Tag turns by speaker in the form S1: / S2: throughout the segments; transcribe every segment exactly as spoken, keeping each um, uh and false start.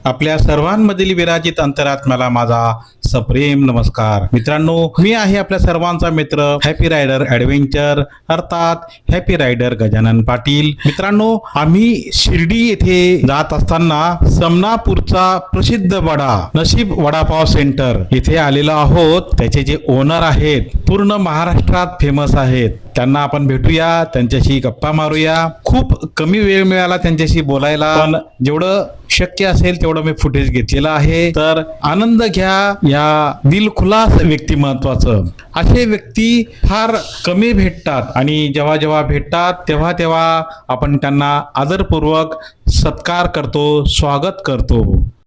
S1: आपल्या सर्वांमधील विराजित अंतरात्म्याला माझा सप्रेम नमस्कार. मित्रांनो, मी आहे आपल्या सर्वांचा मित्र हॅपी रायडर ॲडव्हेंचर अर्थात हॅपी रायडर गजानन पाटील. मित्रांनो, आम्ही शिर्डी येथे जात असताना समनापूरचा प्रसिद्ध वडा नशीब वडापाव सेंटर येथे आलेलो आहोत. त्याचे जे ओनर आहेत पूर्ण महाराष्ट्रात फेमस आहेत. त्यांना आपण भेटूया, त्यांच्याशी गप्पा मारूया. खूप कमी वेळ मिळाला त्यांच्याशी बोलायला, पण जेवढं शक्य असेल तेवढं मी फुटेज घेतलेलं आहे. तर आनंद घ्या या दिलखुलास व्यक्तिमत्वाचं. असे व्यक्ती फार कमी भेटतात आणि जेव्हा जेव्हा भेटतात तेव्हा तेव्हा आपण त्यांना आदरपूर्वक सत्कार करतो, स्वागत करतो.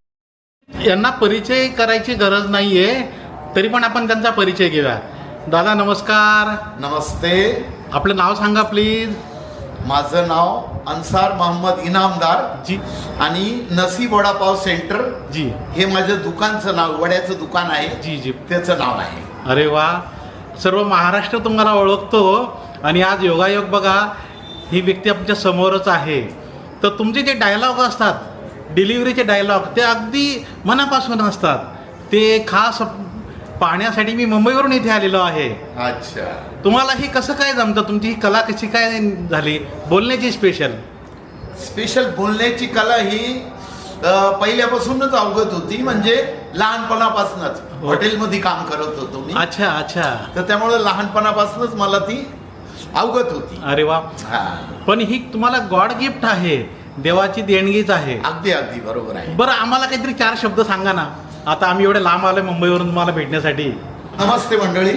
S1: यांना परिचय करायची गरज नाहीये, तरी पण आपण त्यांचा परिचय घेऊया. दादा नमस्कार.
S2: नमस्ते.
S1: आपलं नाव सांगा प्लीज.
S2: माझं नाव अन्सार मोहम्मद इनामदार
S1: जी.
S2: आणि नसीब वडापाव सेंटर
S1: जी.
S2: हे माझं दुकानचं नाव, वड्याचं दुकान आहे.
S1: जी जी.
S2: त्याचं नाव आहे.
S1: अरे वा, सर्व महाराष्ट्र तुम्हाला ओळखतो. आणि आज योगायोग बघा, ही व्यक्ती आमच्या समोरच आहे. तर तुमचे जे डायलॉग असतात, डिलिव्हरीचे डायलॉग, ते अगदी मनापासून असतात. ते खास पाहण्यासाठी मी मुंबईवरून इथे आलेलो आहे.
S2: अच्छा,
S1: तुम्हाला ही कसं काय जमतं? तुमची ही कला कशी काय झाली बोलण्याची? स्पेशल
S2: स्पेशल बोलण्याची कला ही अ, पहिल्यापासूनच अवगत होती. म्हणजे लहानपणापासूनच हॉटेलमध्ये काम करत होतो मी.
S1: अच्छा अच्छा.
S2: तर त्यामुळे लहानपणापासूनच मला ती अवगत होती.
S1: अरे वा.
S2: हा,
S1: पण ही तुम्हाला गॉड गिफ्ट आहे, देवाची देणगीच आहे.
S2: अगदी अगदी बरोबर आहे.
S1: बरं, आम्हाला काहीतरी चार शब्द सांगा ना. आता आम्ही एवढे लांब आलोय मुंबईवरून तुम्हाला भेटण्यासाठी.
S2: नमस्ते मंडळी,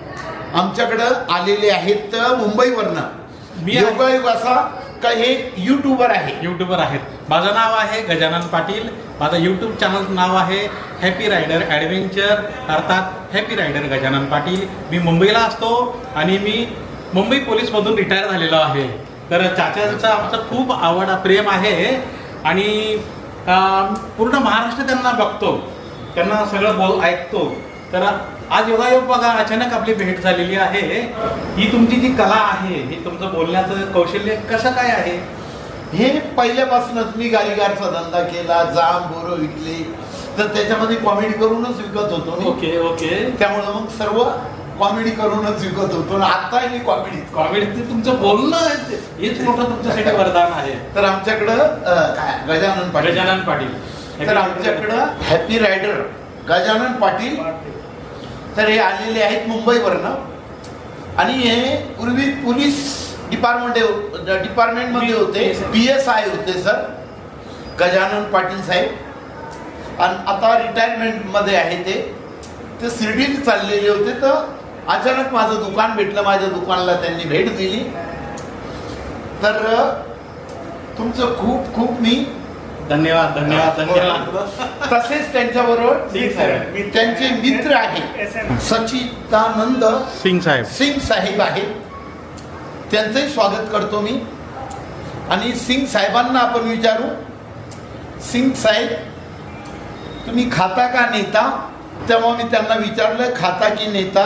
S2: आमच्याकडं आलेले आहेत मुंबईवरनं.
S1: मी आहे.
S2: योगायोग असा का हे युट्यूबर आहे.
S1: युट्यूबर आहेत. माझं नाव आहे गजानन पाटील. माझं यूट्यूब चॅनलचं नाव आहे हॅपी रायडर ॲडव्हेंचर अर्थात हॅपी रायडर गजानन पाटील. मी मुंबईला असतो आणि मी मुंबई पोलीसमधून रिटायर झालेलो आहे. तर चाचांचं आमचं खूप आवड प्रेम आहे आणि अं, पूर्ण महाराष्ट्र त्यांना बघतो, त्यांना सगळं बोल ऐकतो. तर आज योगायोग बघा, अचानक आपली भेट झालेली आहे. ही तुमची जी कला आहे, ही तुमचं बोलण्याचं कौशल्य कसं काय आहे?
S2: हे पहिल्यापासूनच मी गाडीगारचा धंदा केला, जाम बोरं विकले, तर त्याच्यामध्ये कॉमेडी करूनच विकत होतो मी.
S1: Okay okay.
S2: त्यामुळे मग सर्व कॉमेडी करूनच विकत होतो. आताही मी कॉमेडी
S1: कॉमेडी ते तुमचं बोलणं हेच मोठं तुमच्यासाठी वरदान आहे.
S2: तर आमच्याकडं अं, काय गजानन पाटील.
S1: गजानन पाटील.
S2: तर आमच्याकडं हॅपी रायडर गजानन पाटील तर हे आलेले आहेत मुंबईवरनं. आणि हे पूर्वी पोलीस डिपार्टमेंट डिपार्टमेंटमध्ये होते, पी एस आय होते सर गजानन पाटील साहेब. आणि आता रिटायरमेंटमध्ये आहे ते. ते शिर्डीला चाललेले होते, तर अचानक माझं दुकान भेटलं. माझ्या दुकानाला त्यांनी भेट दिली. तर तुमचं खूप खूप मी
S1: धन्यवाद धन्यवाद धन्यवाद.
S2: तसेच त्यांच्याबरोबर त्यांचे मित्र आहेत सचिदानंद
S1: सिंग साहेब
S2: सिंग साहेब आहेत. त्यांचंही स्वागत करतो मी. आणि सिंग साहेबांना आपण विचारू, सिंग साहेब तुम्ही खाता का नेता? तेव्हा मी त्यांना विचारलं खाता की नेता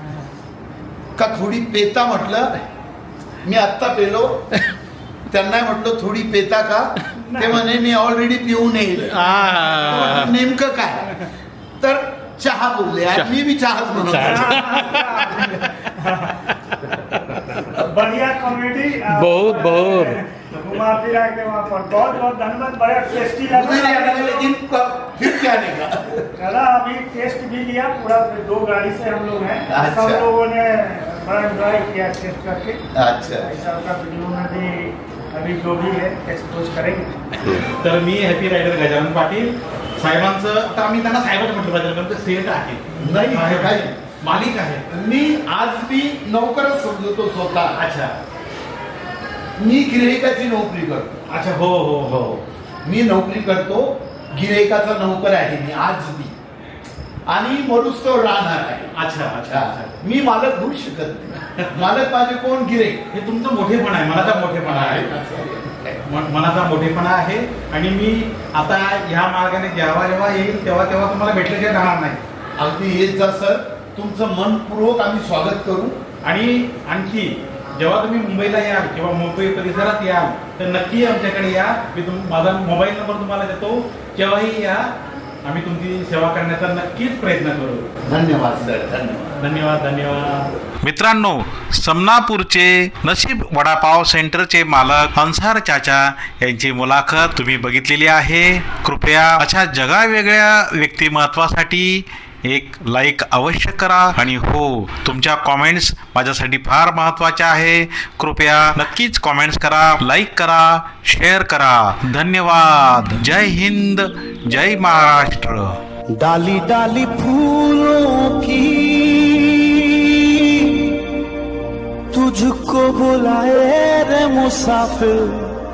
S2: का थोडी पेता? म्हटलं मी आत्ता पेलो. त्यांना म्हटलं थोडी पेता का? ते म्हणे मी ऑलरेडी पिऊन येईल. नेमकं काय? तर चहा बोलले. आज मी भी चहाच म्हणतो.
S3: बढ़िया कॉमेडी,
S1: बहुत बहुत
S3: घुमा फिरा के वहाँ पर बहुत बहुत धन्यवाद. बड़ा टेस्टी लगा.
S2: लेकिन फिर क्या नहीं
S3: चला, अभी टेस्ट भी लिया पूरा. दो गाड़ी से हम लोग हैं.
S2: अच्छा.
S3: सब लोगों ने बड़ा एंजॉय किया टेस्ट करके.
S2: अच्छा.
S3: ऐसा का वीडियो में भी अभी जो भी है एक्सपोज करेंगे.
S1: तर मी हॅपी रायडर गजानन पाटील साहेबांचं, आता आम्ही त्यांना साहेबच म्हटलं पाहिजे कारण ते सेठ आहे,
S2: नाही काय
S1: मालिक आहे.
S2: मी आज मी नोकरच समजतो स्वतः.
S1: अच्छा
S2: मी गिऱ्हाईकाची नोकरी करतो.
S1: अच्छा. हो हो हो.
S2: मी नोकरी करतो, गिऱ्हाईकाचा नोकर आहे मी आज मी. आणि मरुस तो राहणार आहे.
S1: अच्छा अच्छा अच्छा.
S2: मी मालक होऊ शकत नाही. मालक माझे कोण? गिऱ्हाईक.
S1: हे तुमचं मोठेपणा आहे, मनाचा मोठेपणा आहे. म- मनाचा मोठेपणा आहे. आणि मी आता ह्या मार्गाने जेव्हा जेव्हा येईल तेव्हा तेव्हा तुम्हाला भेटल्याशिवाय राहणार नाही.
S2: अगदी येत जा सर. तुमचं मनपूर्वक आम्ही स्वागत करू.
S1: आणि आणखी जेव्हा तुम्ही मुंबईला याल किंवा मुंबई परिसरात याल तर नक्की आमच्याकडे या. मी तुम माझा मोबाईल नंबर तुम्हाला देतो. केव्हाही या, आम्ही तुमची सेवा करण्याचा नक्कीच प्रयत्न करू.
S2: धन्यवाद सर, धन्यवाद.
S3: धन्यवाद धन्यवाद.
S1: मित्रांनो, समनापूरचे नशीब वडापाव सेंटरचे मालक अन्सार चाचा यांची मुलाखत तुम्ही बघितलेली आहे. कृपया अशा जगावेगळ्या व्यक्तिमत्वासाठी एक लाईक अवश्य करा आणि हो, तुमच्या कॉमेंट्स माझ्यासाठी फार महत्त्वाच्या आहे. कृपया नक्कीच कॉमेंट्स करा, लाईक करा, शेअर करा. धन्यवाद. जय हिंद, जय महाराष्ट्र.
S4: डाली डाली फूलों की तुझको बुलाए रे मुसाफिर,